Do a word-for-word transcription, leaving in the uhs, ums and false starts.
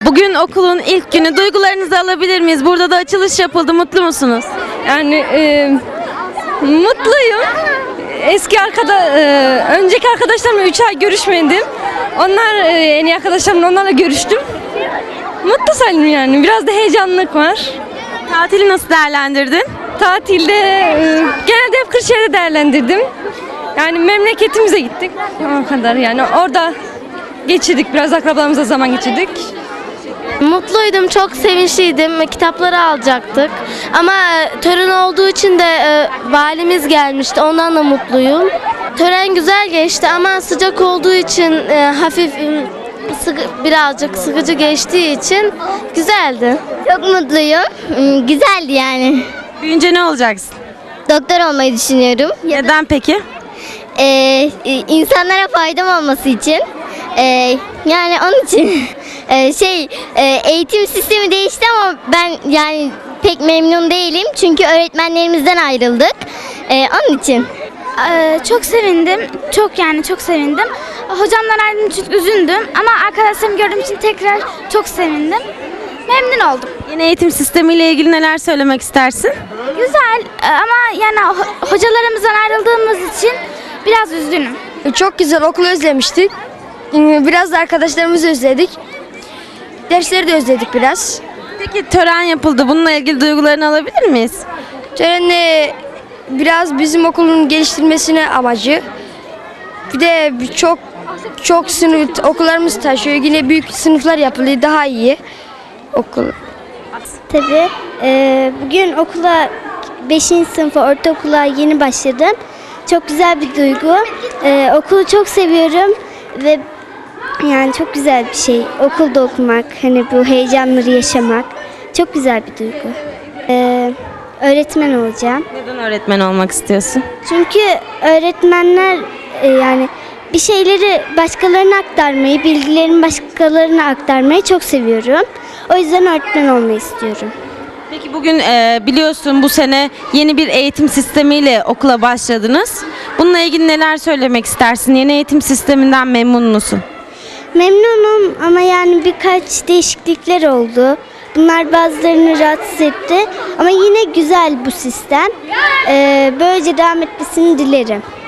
Bugün okulun ilk günü. Duygularınızı alabilir miyiz? Burada da açılış yapıldı. Mutlu musunuz? Yani e, mutluyum. Eski arkada, e, önceki arkadaşlarımla üç ay görüşmedim. Onlar e, en iyi arkadaşlarımla onlarla görüştüm. Mutlu sayılırım yani. Biraz da heyecanlılık var. Tatili nasıl değerlendirdin? Tatilde e, genelde hep Kırşehir'de değerlendirdim. Yani memleketimize gittik. O kadar yani orada geçirdik. Biraz akrabalarımızla zaman geçirdik. Mutluydum, çok sevinçliydim. Kitapları alacaktık. Ama e, tören olduğu için de e, valimiz gelmişti. Ondan da mutluyum. Tören güzel geçti ama sıcak olduğu için e, hafif e, sıkı, birazcık sıkıcı geçtiği için güzeldi. Çok mutluyum. Hmm, Güzeldi yani. Büyünce ne olacaksın? Doktor olmayı düşünüyorum. Neden peki? Ee, e, insanlara faydam olması için. Ee, yani onun için. Ee, şey e, eğitim sistemi değişti ama ben yani pek memnun değilim. Çünkü öğretmenlerimizden ayrıldık. Ee, onun için. Ee, çok sevindim. Çok yani çok sevindim. Hocamdan ayrıldığım için üzüldüm. Ama arkadaşlarımı gördüğüm için tekrar çok sevindim. Memnun oldum. Yeni eğitim sistemiyle ilgili neler söylemek istersin? Güzel e, ama yani ho- hocalarımızdan ayrıldığımız için biraz üzgünüm. Çok güzel, okulu özlemiştik. Biraz da arkadaşlarımızı özledik. Dersleri de özledik biraz. Peki tören yapıldı. Bununla ilgili duygularını alabilir miyiz? Törenle biraz bizim okulun geliştirmesine amacı. Bir de çok çok sınıf okullarımız taşıyor. Yine büyük sınıflar yapılıyor, daha iyi okul. Tabii. Ee, bugün okula beşinci sınıfa, ortaokula yeni başladım. Çok güzel bir duygu. Ee, okulu çok seviyorum ve yani çok güzel bir şey. Okulda okumak, hani bu heyecanları yaşamak çok güzel bir duygu. Ee, öğretmen olacağım. Neden öğretmen olmak istiyorsun? Çünkü öğretmenler e, yani bir şeyleri başkalarına aktarmayı, bilgilerimi başkalarına aktarmayı çok seviyorum. O yüzden öğretmen olmayı istiyorum. Peki bugün e, biliyorsun bu sene yeni bir eğitim sistemiyle okula başladınız. Bununla ilgili neler söylemek istersin? Yeni eğitim sisteminden memnun musun? Memnunum ama yani birkaç değişiklikler oldu. Bunlar bazılarını rahatsız etti ama yine güzel bu sistem. Ee, böylece devam etmesini dilerim.